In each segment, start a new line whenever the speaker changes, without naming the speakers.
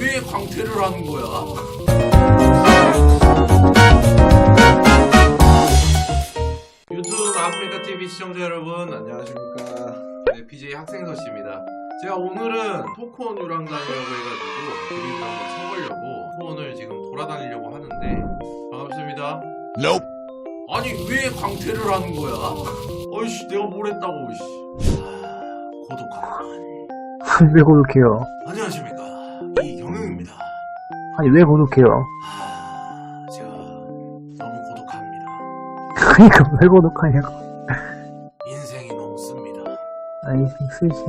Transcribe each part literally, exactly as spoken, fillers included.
왜 광태를 하는 거야? 유튜브 아프리카티비 시청자 여러분 안녕하십니까. 네, 비제이 학생서씨입니다. 제가 오늘은 토크온 유랑단이라고 해가지고 그림을 한번 쳐보려고 토크온을 지금 돌아다니려고 하는데 반갑습니다.
Nope.
아니 왜 광태를 하는 거야? 어이씨 내가 뭘 했다고. 씨. 아, 고독하구만.
왜 고독해요?
안녕하십니까 이경영입니다.
아니 왜 고독해요?
아, 제가 너무 고독합니다.
그니까 왜 고독하냐고.
인생이 너무 씁니다.
아니 쓰지.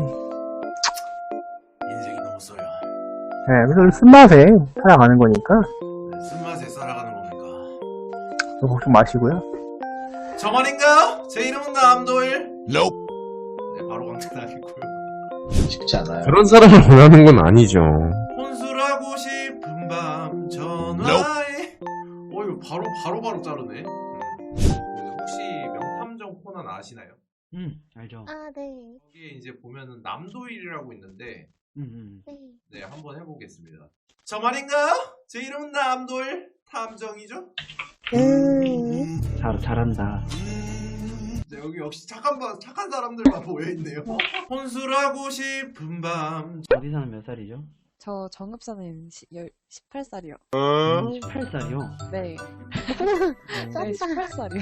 인생이 너무 써요.
네, 그래서 쓴맛에 살아가는 거니까
쓴맛에 살아가는 겁니까?
너 걱정 마시고요.
저만인가요? 제 이름은 남도일.
Nope.
네, 바로 광태당했고요.
쉽지 않아요.
그런 사람을 원하는 건 아니죠.
혼술하고 싶은 밤 전화에. 어 이거 바로 바로 바로 자르네. 음. 그 혹시 명탐정 코난 아시나요?
음, 알죠.
아, 네.
거기에 이제 보면은 남도일이라고 있는데
음, 음.
네.
네 한번 해보겠습니다. 저만인가요? 제 이름은 남도일 탐정이죠?
음.
잘, 잘한다.
네, 여기 역시 착한 바, 착한 사람들만 모여있네요. 혼술하고 싶은 밤.
어디 사는 몇 살이죠?
저 정읍사는 십팔 살이요.
십팔 살이요?
네.
쩐다.
네, 십팔 살이요.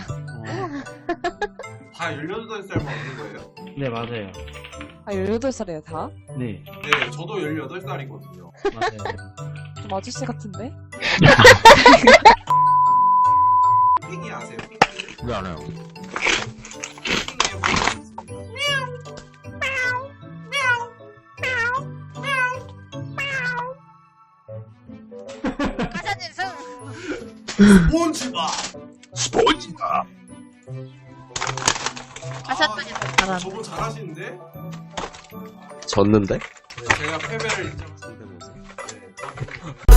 다 열여덟 살 먹는 거예요?
네, 맞아요.
아, 열여덟 살이에요, 다?
네,
네, 저도 열여덟 살이거든요.
맞아요.
좀 아저씨 같은데?
핑이 아세요? 핑이?
왜 안 해요? 스폰지밥!
스폰지밥.
하셨더니 더
아,
잘하네.
저분 잘하시는데?
졌는데?
네, 제가 패배를 인정합니다. 네.